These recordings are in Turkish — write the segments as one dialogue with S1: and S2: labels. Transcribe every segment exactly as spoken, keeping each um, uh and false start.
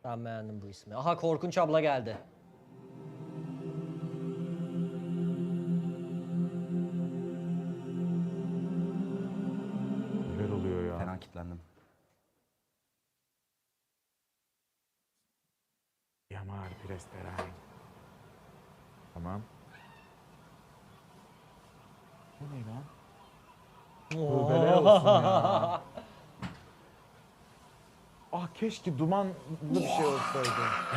S1: Ben beğendim bu ismi. Aha Korkunç abla geldi.
S2: Neler oluyor ya?
S3: Fena kilitlendim.
S2: Yamar Presteray. Tamam. Bu ne lan? Tövbeler olsun ya. Ah keşke dumanlı bir şey olsaydı.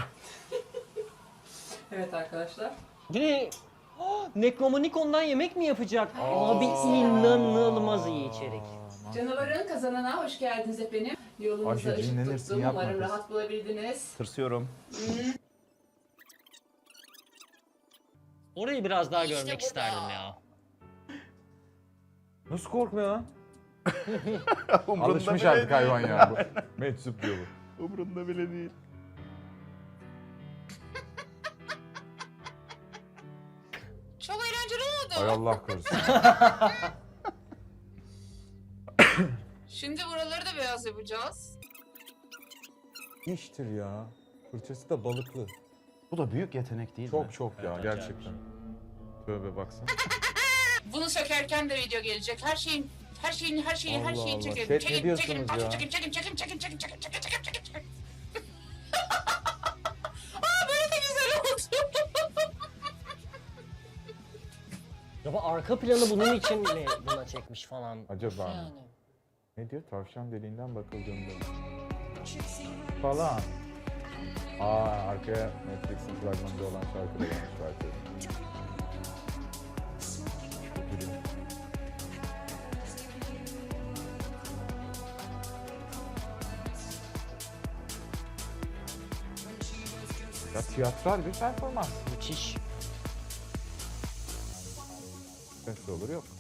S4: Evet arkadaşlar.
S1: Bu ne? Oh, Necronomicon yemek mi yapacak? Abi inanılmaz iyi içerik.
S4: Canavarın kazanana hoş geldiniz efendim. Yolunuza
S2: Ayşe,
S4: ışık
S2: dinlenirsin,
S4: tuttum.
S2: yapma
S4: Umarım
S2: kız.
S4: rahat bulabildiniz.
S3: Tırsıyorum.
S1: Orayı biraz daha görmek isterdim ya.
S2: Nasıl korkmuyor lan?
S3: Umrunda
S2: Alışmış
S3: bile
S2: artık
S3: değil.
S2: hayvan ya bu. Meczup diyor bu.
S3: Umrunda bile değil.
S4: Çok eğlenceli oldu.
S2: Ay Allah korusun.
S4: Şimdi buraları da beyaz yapacağız.
S2: İştir ya. Fırçası da balıklı.
S3: Bu da büyük yetenek değil mi?
S2: Çok çok ya
S1: Evet,
S2: gerçekten. Tövbe baksana.
S4: Bunu sökerken de video gelecek. Her şeyin her şeyin her şeyin her
S2: Allah
S4: şeyin
S2: Allah.
S4: çekelim.
S2: Chat ne
S4: Çekin,
S2: diyorsunuz
S4: çekin,
S2: ya?
S4: çekin, çekin, çekin, çekin, çekin, çekin, çekin, çekin, çekin, çekin. Aa böyle de güzel oldu.
S1: Acaba arka planı bunun için mi buna çekmiş falan?
S2: Acaba mı?
S1: Yani.
S2: Ne diyor? Tavşan deliğinden bakıldığında. Falan. Aa arkaya Netflix'in fragmanında olan şarkı da gelmiş belki. Kötü. Ya tiyatral bir performans.
S1: Müthiş.
S2: Nasıl olur yok.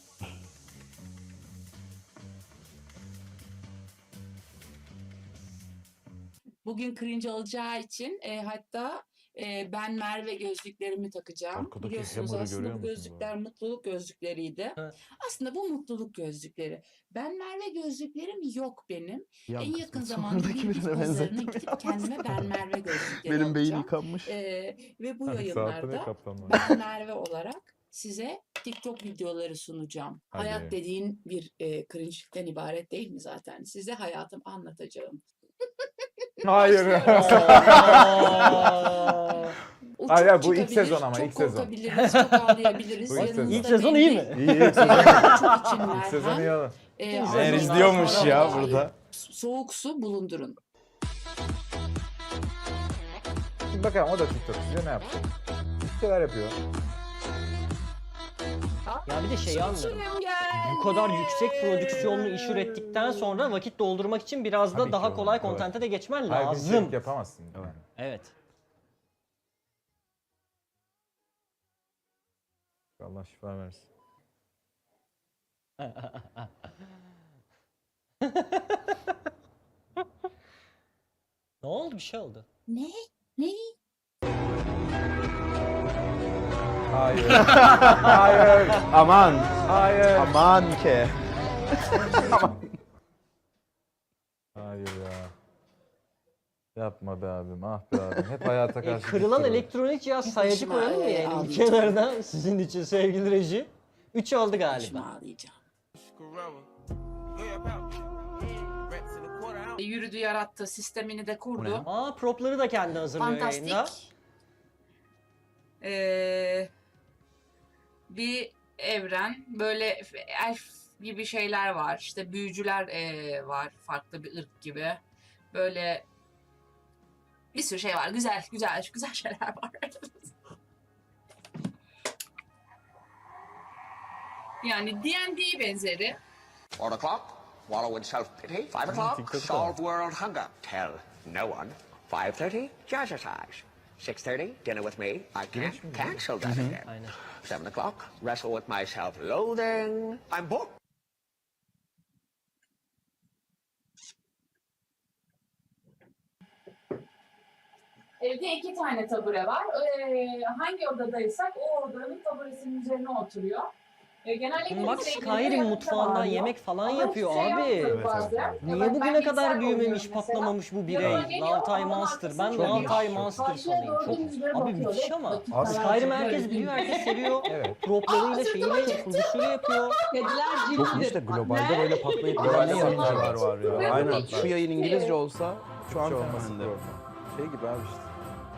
S4: Bugün cringe alacağı için e, hatta e, ben Merve gözlüklerimi takacağım.
S2: Arkadaki
S4: Biliyorsunuz
S2: hammer'ı
S4: aslında
S2: görüyor
S4: bu
S2: musun
S4: gözlükler mutluluk gözlükleriydi.
S1: Evet.
S4: Aslında bu mutluluk gözlükleri. Ben Merve gözlüklerim yok benim.
S3: Yan
S4: en
S3: kısmı
S4: yakın zamanda
S3: sonundaki
S4: bir
S3: birine
S4: pazarına
S3: benzettim
S4: gidip
S3: yalnız.
S4: kendime ben Merve gözlükleri
S3: Benim beyin
S4: alacağım.
S3: yıkanmış.
S4: E, ve bu
S2: Saatte ne
S4: yayınlarda
S2: kaptan var?
S4: ben Merve olarak size TikTok videoları sunacağım.
S2: Hadi.
S4: Hayat dediğin bir e, cringe'likten ibaret değil mi zaten? Size hayatımı anlatacağım.
S2: Hayır.
S1: Aa.
S4: Uçup
S2: Hayır, bu ilk
S4: çıkabilir,
S2: sezon ama,
S4: çok
S2: ilk sezon.
S4: korkabiliriz, çok ağlayabiliriz.
S2: Bu ilk
S4: Yanınızda
S2: sezon.
S1: İlk sezon
S4: belli
S1: iyi mi?
S2: İyi ilk sezon.
S4: Çok için
S2: İlk sezon iyi
S4: merhem.
S2: ama.
S4: Ee,
S1: Meğer
S4: ama
S1: Sezondan
S3: izliyormuş
S1: sonra
S3: ya
S1: da-
S3: burada.
S4: Soğuk su bulundurun.
S2: Şimdi bakalım o da TikTok izliyor ne yapacak? Bir şeyler yapıyor.
S1: Ya bir de şeyi anladım.
S4: Şuraya gel.
S1: Bu kadar yüksek prodüksiyonlu iş ürettikten sonra vakit doldurmak için biraz da
S2: Tabii ki
S1: daha
S2: oğlum,
S1: kolay
S2: evet.
S1: kontente de geçmen
S2: Her gün
S1: lazım.
S2: içerik yapamazsın.
S3: Evet.
S2: Yani.
S1: Evet.
S2: Allah şifa versin.
S1: Ne oldu? Bir şey oldu.
S4: Ne? Ne?
S2: Hayır. Hayır.
S3: Aman.
S2: Hayır.
S3: Aman ke.
S2: Hayır ya. Yapma be abim, ah be abim. Hep hayata
S1: E,
S2: karşı...
S1: kırılan
S2: dik
S1: elektronik cihaz sayacı
S4: başıma,
S1: koyalım mı
S4: e,
S1: yani
S4: ağlayacağım.
S1: kenarına sizin için sevgili reji? üç oldu galiba.
S4: Başıma ağlayacağım. E, Yürüdü, yarattı, sistemini de kurdu.
S1: Aa propları da kendi hazırlıyor yayında.
S4: Fantastik. Ee, bir evren. Böyle elf gibi şeyler var. İşte büyücüler ee, var. Farklı bir ırk gibi. Böyle bir sürü şey var. Güzel, güzel, güzel şeyler var. Yani D and D benzeri.
S5: Four o'clock, wallow in self-pity. Five o'clock, solve world hunger. Tell no one. Five thirty, jazzercise. Six thirty, dinner with me. I can't cancel that again.
S1: Aynen.
S5: Seven o'clock, wrestle with my self-loathing. I'm booked.
S4: Evde iki tane tabure var. Ee, hangi odadaysak o odanın taburesinin üzerine oturuyor. E, genellikle
S1: Bak
S4: direkt
S1: Skyrim
S4: yemeğe
S1: mutfağından
S4: yapıyor.
S1: yemek falan
S4: Ama
S1: yapıyor
S4: hiçbir şey
S1: abi.
S4: yapmıyorum
S3: Evet,
S4: bazen.
S3: evet,
S4: Ya
S1: Niye
S4: ben-
S1: bugüne
S4: ben
S1: kadar
S4: bilgisayar
S1: büyümemiş,
S4: oynuyorum mesela.
S1: patlamış bu
S4: Ya
S1: birey?
S4: bana geliyor,
S1: Lavtay
S4: adamın
S1: Master. Ben
S4: arkasını
S1: Lavtay
S4: dönüyor.
S1: Master
S4: Karşıya
S1: fanıyım.
S4: doğru
S1: Çok
S4: dümdüz böyle
S1: abi
S4: bakıyor.
S1: müthiş ama.
S4: Dakika
S3: Abi
S4: falan
S1: Skyrim'i
S4: böyle
S1: herkes
S4: bir-
S1: biliyor, herkes seviyor.
S3: Evet.
S1: Proplarıyla,
S4: Aa,
S1: şeyiyle,
S4: sırtıma
S1: kurgusuyla yapıyor.
S4: Kediler
S3: Çok
S4: cimridir.
S3: işte globalde böyle patlayıp
S4: Ama
S3: giden ne
S4: sonra
S3: yayıncılar var ya.
S4: çıktı ve
S3: Aynen.
S4: bu
S3: Şu yayın İngilizce olsa şu an
S2: Hiç olması
S3: fenomendi.
S2: problem. Şey gibi abi işte.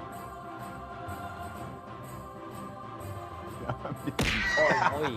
S1: Oy.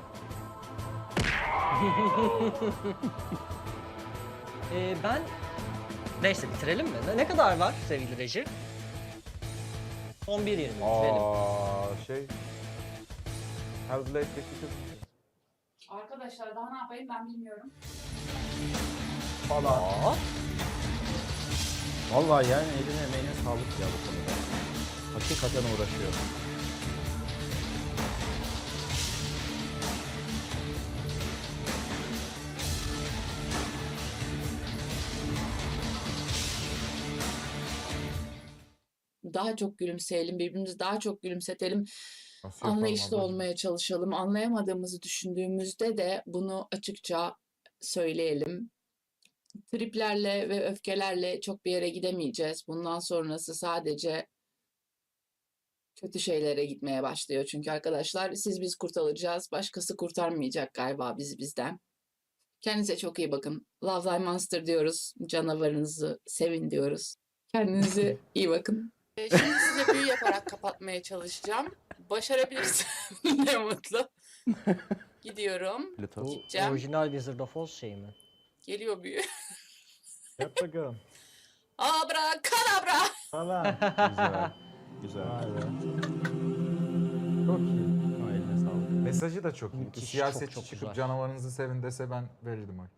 S1: Ee, ben... Neyse bitirelim mi? Ne, ne kadar var sevgili reji? Son bir yirmi bitirelim.
S2: Aa şey. Hellblade'deki kız.
S4: Arkadaşlar daha ne yapayım ben bilmiyorum.
S2: Falan.
S1: Aa,
S3: Vallahi yani eline emeğine sağlık ya bu konuda. Hakikaten uğraşıyor.
S6: Daha çok gülümseyelim, birbirimizi daha çok gülümsetelim,
S2: Nasıl yapalım
S6: anlayışlı
S2: ablacığım?
S6: olmaya çalışalım. Anlayamadığımızı düşündüğümüzde de bunu açıkça söyleyelim. Triplerle ve öfkelerle çok bir yere gidemeyeceğiz. Bundan sonrası sadece kötü şeylere gitmeye başlıyor. Çünkü arkadaşlar siz biz kurtaracağız, başkası kurtarmayacak galiba bizi bizden. Kendinize çok iyi bakın. Love Thy Monster diyoruz. Canavarınızı sevin diyoruz. Kendinize iyi bakın. Ee, Şimdi size büyü yaparak kapatmaya çalışacağım. Başarabilirsem ne mutlu. Gidiyorum.
S3: Plüto.
S1: bu
S6: Gideceğim.
S1: orijinal Wizard of Oz şey mi?
S6: Geliyor büyü.
S2: Yap bakalım.
S6: Abrakadabra.
S2: Falan.
S3: Güzel. Güzel.
S2: Vay be. Çok iyi.
S3: Ama eline sağlık.
S2: Mesajı da çok iyi. Bir
S1: Müthiş,
S2: siyasetçi
S1: çok, çok
S2: çıkıp
S1: güzel.
S2: canavarınızı sevin dese ben verirdim oy.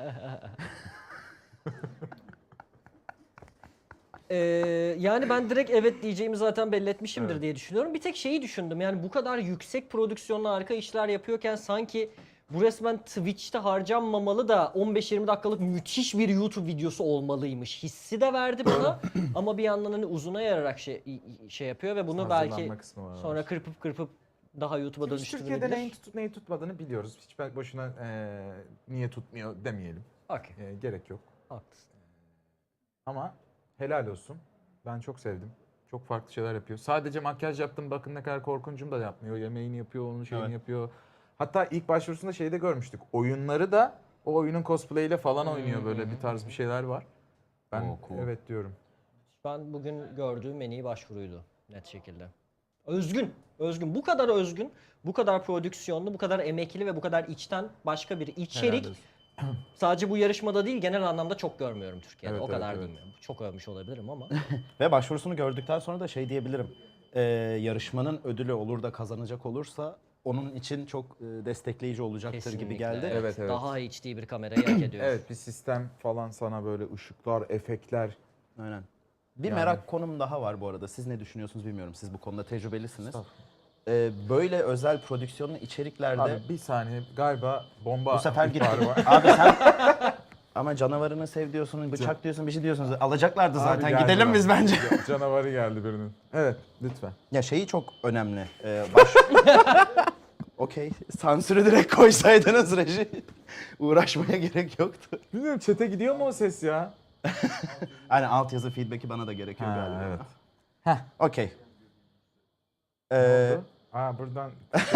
S1: Ee, yani ben direkt evet diyeceğimi zaten belli etmişimdir
S2: Evet.
S1: diye düşünüyorum. Bir tek şeyi düşündüm, yani bu kadar yüksek prodüksiyonlu harika işler yapıyorken sanki bu resmen Twitch'te harcanmamalı da on beş yirmi dakikalık müthiş bir YouTube videosu olmalıymış hissi de verdi bana. Ama bir yandan hani uzuna yararak şey, şey yapıyor ve bunu belki
S2: Hazırlanma kısmı var.
S1: sonra kırpıp kırpıp daha YouTube'a
S2: Biz Türkiye'de
S1: dönüştürülebilir.
S2: neyin tutup neyi tutmadığını biliyoruz. Hiç ben boşuna eee niye tutmuyor demeyelim.
S1: Okey,
S2: Eee, gerek yok.
S1: haklısın.
S2: Ama helal olsun. Ben çok sevdim. Çok farklı şeyler yapıyor. Sadece makyaj yaptım bakın ne kadar korkuncum da yapmıyor. Yemeğini yapıyor, onun şeyini
S3: Evet.
S2: yapıyor. Hatta ilk başvurusunda şeyi de görmüştük. Oyunları da o oyunun cosplay ile falan oynuyor, böyle bir tarz bir şeyler var. Ben
S3: Oo, cool.
S2: evet diyorum.
S1: Ben bugün gördüğüm en iyi başvuruydu net şekilde. Özgün, özgün. Bu kadar özgün, bu kadar prodüksiyonlu, bu kadar emekli ve bu kadar içten başka bir içerik
S2: Helal olsun.
S1: sadece bu yarışmada değil genel anlamda çok görmüyorum Türkiye'de.
S2: Evet,
S1: o kadar
S2: evet, evet.
S1: bilmiyorum. Çok övmüş olabilirim ama.
S3: Ve başvurusunu gördükten sonra da şey diyebilirim. Ee, yarışmanın ödülü olur da kazanacak olursa onun için çok e, destekleyici olacaktır gibi
S1: Kesinlikle,
S3: geldi.
S2: Evet, evet.
S1: Daha H D bir kamerayı hak ediyor.
S2: Evet, bir sistem falan sana böyle ışıklar, efektler.
S3: Aynen. Bir
S2: Yani.
S3: merak konum daha var bu arada. Siz ne düşünüyorsunuz bilmiyorum. Siz bu konuda tecrübelisiniz. Ee, böyle özel prodüksiyonlu içeriklerde
S2: Abi bir saniye galiba bomba
S3: bu sefer gitti.
S2: ihbarı var.
S3: Abi sen ama canavarını sev diyorsun, bıçak diyorsun, bir şey diyorsunuz. Alacaklardı
S2: Abi
S3: zaten.
S2: geldi
S3: Gidelim
S2: bak.
S3: biz bence.
S2: Ca- Canavarı geldi birinin. Evet, lütfen.
S3: Ya şeyi çok önemli. Ee, baş... Okey. Sansürü direkt koysaydınız reji. Uğraşmaya gerek yoktu.
S2: Bilmiyorum chat'e gidiyor mu o ses ya?
S3: Hani altyazı feedback'i bana da gerekiyor
S2: Ha,
S3: galiba.
S2: evet.
S3: Okey.
S2: Ne
S3: Ee,
S2: oldu? Aa buradan...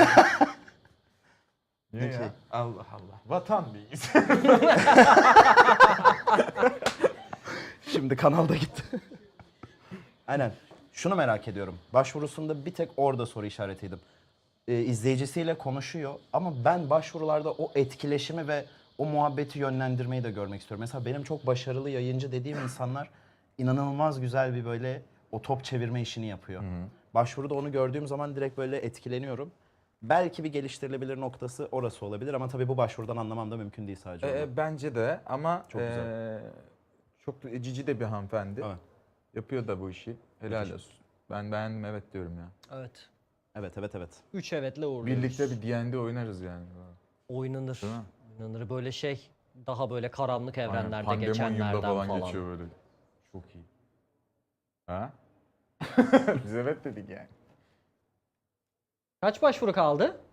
S2: Niye
S3: Peki.
S2: ya? Allah Allah. Vatan bilgisi.
S3: Şimdi kanalda gitti. Aynen. Şunu merak ediyorum. Başvurusunda bir tek orada soru işaretiydim. Ee, izleyicisiyle konuşuyor ama ben başvurularda o etkileşimi ve o muhabbeti yönlendirmeyi de görmek istiyorum. Mesela benim çok başarılı yayıncı dediğim insanlar inanılmaz güzel bir böyle o top çevirme işini yapıyor. Başvuruda onu gördüğüm zaman direkt böyle etkileniyorum. Belki bir geliştirilebilir noktası orası olabilir ama tabii bu başvurudan anlamam da mümkün değil sadece. orada.
S2: Ee, bence de ama
S3: Çok güzel.
S2: ee, çok da- cici de bir hanımefendi.
S3: Evet.
S2: Yapıyor da bu işi. Helal
S3: Müthiş.
S2: olsun. Ben beğendim, evet diyorum ya.
S1: Evet.
S3: Evet evet evet.
S1: Üç evetle uğurluyoruz.
S2: Birlikte bir D and D oynarız yani.
S1: Oynanır.
S2: Değil mi?
S1: Oynanır. Böyle şey daha böyle karanlık
S2: Aynen,
S1: evrenlerde
S2: Pandemonyum'da
S1: geçenlerden
S2: falan,
S1: falan.
S2: geçiyor böyle. Çok iyi. Ha? Biz evet dedik yani.
S1: Kaç başvuru kaldı?